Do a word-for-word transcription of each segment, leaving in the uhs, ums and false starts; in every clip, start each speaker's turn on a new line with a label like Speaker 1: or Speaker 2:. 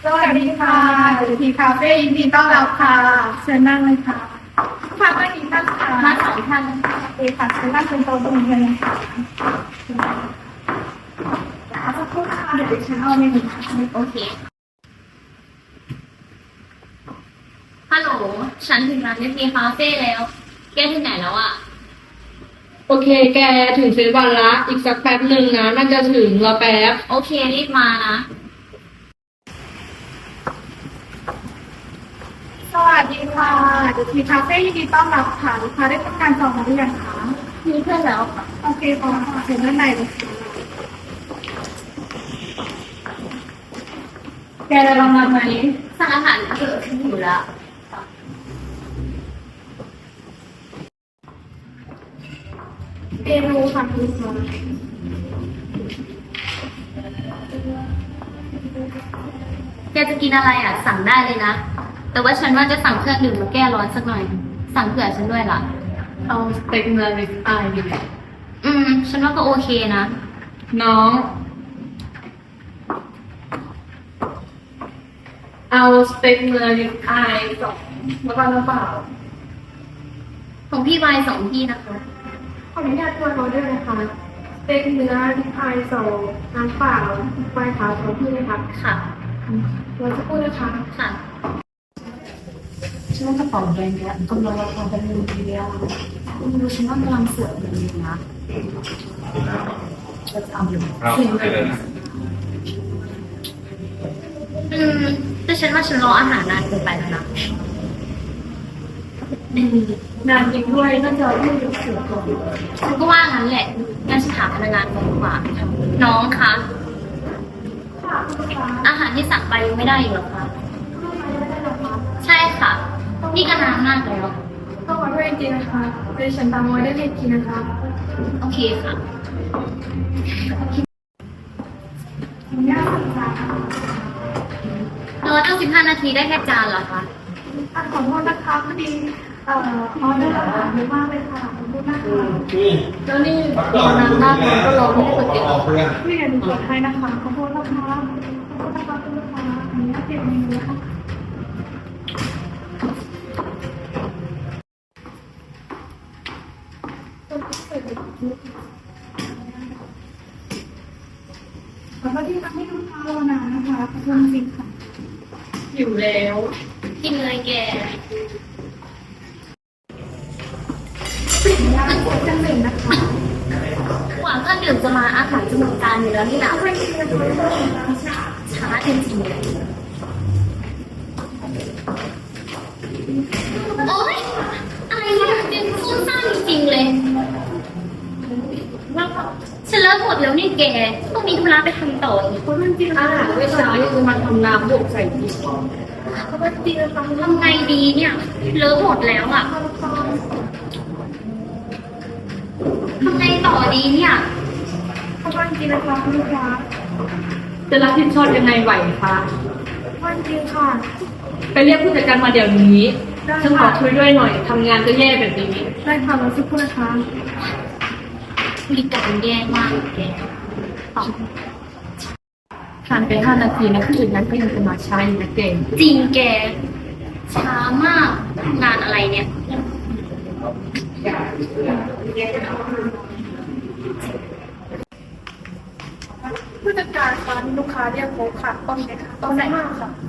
Speaker 1: สวัสดีค่ะอยู่ที่คาเฟ่ยินดีต้อนรับค่ะเชิญนั่งเลยค่ะค่ะมากี่ท่านค่ะมาสองท่านโอเคค่ะเชิญนั่งเป็นโต๊ะตรงนี้เลยค่ะเอาสักครู่ค่ะเดี๋ยวดิฉันเอาเมนูค่ะโอเค
Speaker 2: ฮัลโหลฉันถึงร้านเนทีคาเฟ่แล้ว แกถึงไหนแล้วอะ
Speaker 3: โอเคแกถึงเซนวันละอีกสักแป๊บหนึ่งนะน่าจะถึงรอแป๊บ
Speaker 2: โอเครีบมานะ
Speaker 1: สวัสดีค่ะอยู่ที่คาเฟ่ยินดีต้อนรับค่ะลูกค้าได้ทำการจองมาหรือยังคะ
Speaker 2: มีเพื่อนแล้วค่ะ
Speaker 1: โอเคพอค่ะเชิญด้านในเลยค่ะแกจะลองมาไหม
Speaker 2: สั่งอาหารเกิดขึ้นอยู่แล้ว
Speaker 1: เมนูค่ะคุณผู้ชม
Speaker 2: แกจะกินอะไรอ่ะสั่งได้เลยนะแต่ว่าฉันว่าจะสั่งเครื่องดื่มมาแก้ร้อนสักหน่อยสั่งเผื่อฉันด้วยล่ะ
Speaker 3: เอาสเต็กเนื้อริบอายดีไหม
Speaker 2: อืมฉันว่าก็โอเคนะ
Speaker 3: น้องเอาสเต็กเนื้อริบอายสองแล้วก็น้ำเปล่า
Speaker 2: ของพี่วายสองที่นะคะ
Speaker 1: ขออนุญาตตัวเราด้วยนะคะสเต็กเนื้อริบอายสองน้ำเปล่าไวน์ขาวสองที่เลยค่ะ
Speaker 2: ค่ะ
Speaker 1: เราจะพูดนะคะ
Speaker 2: ค่ะ
Speaker 1: ฉันว่ากระเป๋าแบรนด์เนี้ยกำลังราคาเป็นหมื่นทีเดียว
Speaker 2: คุณดูฉันว่ากำลังสวยเลยนะ
Speaker 1: จะทำอยู่
Speaker 2: สิ่งเลยอืมแต่ฉันว่าฉันรออาหารนานเกินไปแล้วนะ
Speaker 1: นานจริงด้วยน่าจะยืดเยื้อเสือก่อน
Speaker 2: ฉันก็ว่างั้นแหละงั้นฉันถามพนักงานก่อนดีกว่าน้องคะอาหารที่สั่งไปยังไม่ได้อยู่หรอคะใช่ค่ะนี่ก็นานมากแล้ว
Speaker 1: ต้องมาด้วยจริงนะคะดิฉันตามไว้ได้เลยจริงนะคะ
Speaker 2: โอเคค่ะ
Speaker 1: ยากสักจาน
Speaker 2: รอตั้งสิบห้านาทีได้แค่จานเหรอคะ
Speaker 1: ขอโทษนะคะพอดีเอ่อออเดอร์อาหารเยอะมากเลยค่ะขอโทษนะคะ
Speaker 3: แล้วนี่รอนานมากแล้วก็รอไม่ได้เปิดเ
Speaker 1: องพี่อย่าดูกดให้นะคะขอโทษนะคะขอโทษนะคะคุณลูกค้าอันนี้เปลี่ยนเมนูนะคะขอโทษที่ทำให้ลูกค้ารอนานนะคะขอโทษจริงค่ะ
Speaker 3: อยู่แล้ว
Speaker 2: กินเลยแก
Speaker 1: ย่างก๋วยจังหนึ่งนะคะ
Speaker 2: หวังเครื่องดื่มจะมาอาหารจะหมดจานอยู่แล้วนี่นะช้าจริงๆเลยโอ๊ยอะไรเนี่ยเป็นฟุ้งซ่านจริงๆเลยฉันเลิกหมดแล้วนี่แกต้องมีธุระไปทำต่ออีก
Speaker 1: เพราะมันจริง
Speaker 3: อาหารเมื่อเช้าคือมันทำน้ำบวกใส่ดี
Speaker 1: เพราะมันจริงนะคะ
Speaker 2: ทำไงดีเนี่ยเลิกหมดแล้วอ่ะทำไงต่อดีเนี่ย
Speaker 1: เพราะมันจริงนะคะคุณลูกค้า
Speaker 3: จะรับผิดชอบยังไงไหวคะ
Speaker 1: มันจริงค่ะ
Speaker 3: ไปเรียกผู้จัดการมาเดี๋ยวนี้ฉันขอช่วยด้วยหน่อยทำงานก็แย่แบบนี้
Speaker 1: ได้ค่ะเราสักครู่นะคะ
Speaker 2: บริการแย่มากแก
Speaker 3: ผ่านไปห้านาทีนะผู้อื่นนั้นก็ยังจะมาช้าอยู่นะเก่ง
Speaker 2: จริงแกช้ามากงานอะไรเนี่ย
Speaker 1: ผู้จัดการคะลูกค้าเรียกพบค่ะตอนไหนคะตอนไหนมากค่ะ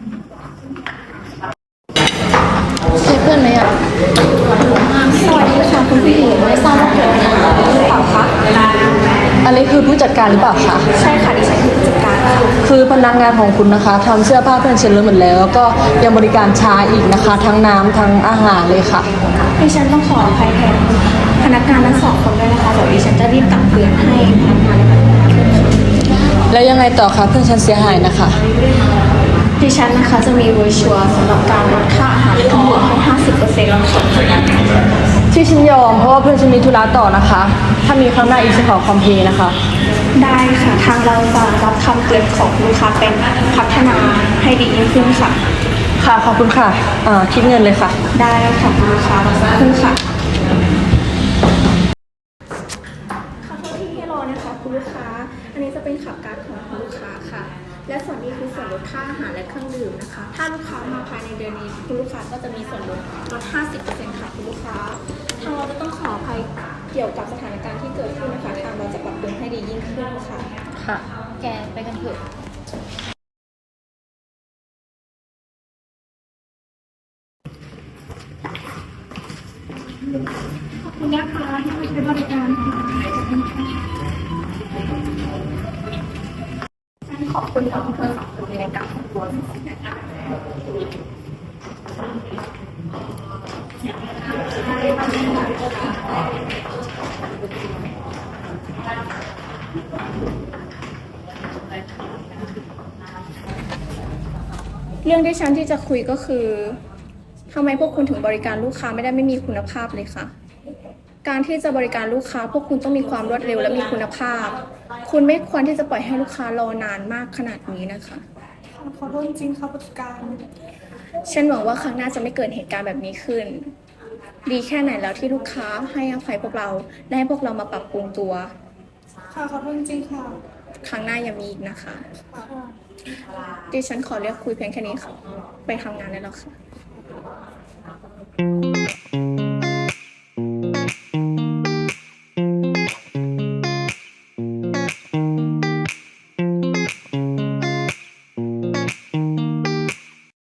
Speaker 4: ใช่เพื่อนไหมอ่ะสวัสดีค่ะคุณผู้หญิงไม่ทราบว่าเกิดอะไรขึ้นหรือเปล่าคะอันนี้คือผู้จัดการหรือเปล่าคะ
Speaker 1: ใช่ค่ะดิฉันคือผู้จัดการค่ะ
Speaker 4: คือพนักงานของคุณนะคะทำเสื้อผ้าเพื่อนเช็ดแล้วหมดแล้วแล้วก็ยังบริการช้าอีกนะคะทั้งน้ำทั้งอาหารเลยค่ะ
Speaker 1: ดิฉันต้องขออภัยแทนพนักงานทั้งสองคนด้วยนะคะเดี๋ยวดิฉันจะรีบตักเตือนให้พนักงาน
Speaker 4: แล้วยังไงต่อคะเพื่อนฉันเสียหายนะคะ
Speaker 1: ดิฉันนะคะจะมีโบรชัวร์สำหรับการลดค่าอาหารทั้งหมดให้ ห้าสิบเปอร์เซ็นต์ แล้วค่ะ
Speaker 4: ที่ฉันยอมเพราะว่าเพื่อนฉันมีธุระต่อนะคะถ้ามีครั้งหน้าอีกจะขอคอมเพลย์นะคะ
Speaker 1: ได้ค่ะทางเราจะรับคำเตือนของลูกค้าเป็นพัฒนาให้ดียิ่งขึ้นค่ะ
Speaker 4: ค่ะขอบคุณค่ะอ่าคิดเงินเลยค่ะ
Speaker 1: ได้ค่ะคุณลูกค้ารับขึ้นค่ะขอโทษที่ให้รอนะคะคุณลูกค้าอันนี้จะเป็นขับการ์ดของคุณลูกค้าค่ะ
Speaker 5: และส่วนนี้คือส่วนลดค่าอาหารและเครื่องดื่มนะคะ ถ้าลูกค้ามาภายในเดือนนี้คุณลูกค้าก็จะมีส่วนลดลด ห้าสิบเปอร์เซ็นต์ ค่ะคุณลูกค้า ทางเราจะต้องขออภัยเกี่ยวกับสถานการณ์ที่เกิดขึ้นนะคะ ทางเราจะปรับปรุงให้ดียิ่งขึ้นค่ะ
Speaker 4: ค่ะ
Speaker 2: แกไปกันเถอะ
Speaker 1: ขอบคุณนะคะที่มาใช้บริการค่ะขอบคุณทั้งเพื่อนสองคนในการของตัว
Speaker 5: เรื่องที่ฉันที่จะคุยก็คือทำไมพวกคุณถึงบริการลูกค้าไม่ได้ไม่มีคุณภาพเลยคะการที่จะบริการลูกค้าพวกคุณต้องมีความรวดเร็วและมีคุณภาพ คุณไม่ควรที่จะปล่อยให้ลูกค้ารอนานมากขนาดนี้นะคะ
Speaker 1: ขอโทษจริงค่ะผู้จัดการ
Speaker 5: ฉันหวังว่าครั้งหน้าจะไม่เกิดเหตุการณ์แบบนี้ขึ้น ดีแค่ไหนแล้วที่ลูกค้าให้อภัยพวกเราและให้พวกเรามาปรับปรุงตัว
Speaker 1: ค่ะขอโทษจริงค่ะ
Speaker 5: ครั้งหน้ายังมีอีกนะคะ ดิฉันขอเรียกคุยเพียงแค่นี้ค่ะ ไปทำงานได้แล้วค่ะ